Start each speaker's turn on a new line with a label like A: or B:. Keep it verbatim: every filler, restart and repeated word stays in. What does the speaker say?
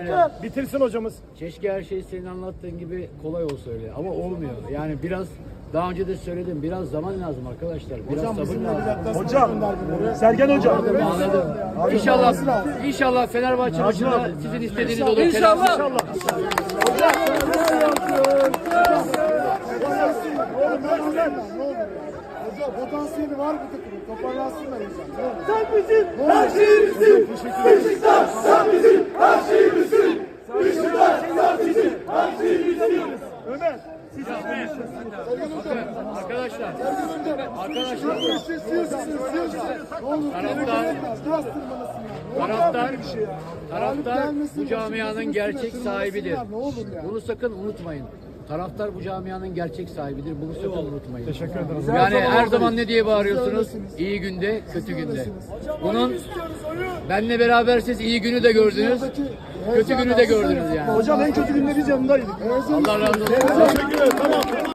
A: Yani
B: Bitirsin hocamız.
A: keşke her şey senin anlattığın gibi kolay olsa öyle ama olmuyor. Yani biraz daha önce de söyledim, biraz zaman lazım arkadaşlar. Biraz sabır lazım.
B: Hocam, Sergen hocam.
A: Anladım. İnşallah, inşallah Fenerbahçe maçında sizin istediğiniz olur.
C: İnşallah.
B: İnşallah.
D: Hocam potansiyeli var bu takımın. Toparlansınlar inşallah.
C: Sen bizim her şeyimizsin. Beşiktaş sen bizim her şeyimizsin. Beşiktaş sen bizim her şeyimizsin.
B: Ömer.
A: Arkadaşlar,
D: Arkadaşlar. Ne olur.
A: Taraftar-
D: Biraz tırmanasın ya.
A: taraftar,
D: şey
A: taraftar bu camianın
D: Başımızın
A: gerçek
D: üstüne
A: sahibidir.
D: tırmanasınlar, ne olur ya.
A: Bunu sakın unutmayın. Taraftar bu camianın gerçek sahibidir. Bunu sakın unutmayın.
B: Teşekkür ederim.
A: Yani her zaman ne diye bağırıyorsunuz? İyi günde, kötü günde. Bunun benle beraber siz iyi günü de gördünüz, kötü günü de gördünüz yani.
B: Hocam en kötü günde biz yanındaydık.
A: Allah razı olsun.
B: Teşekkür ederim. Tamam.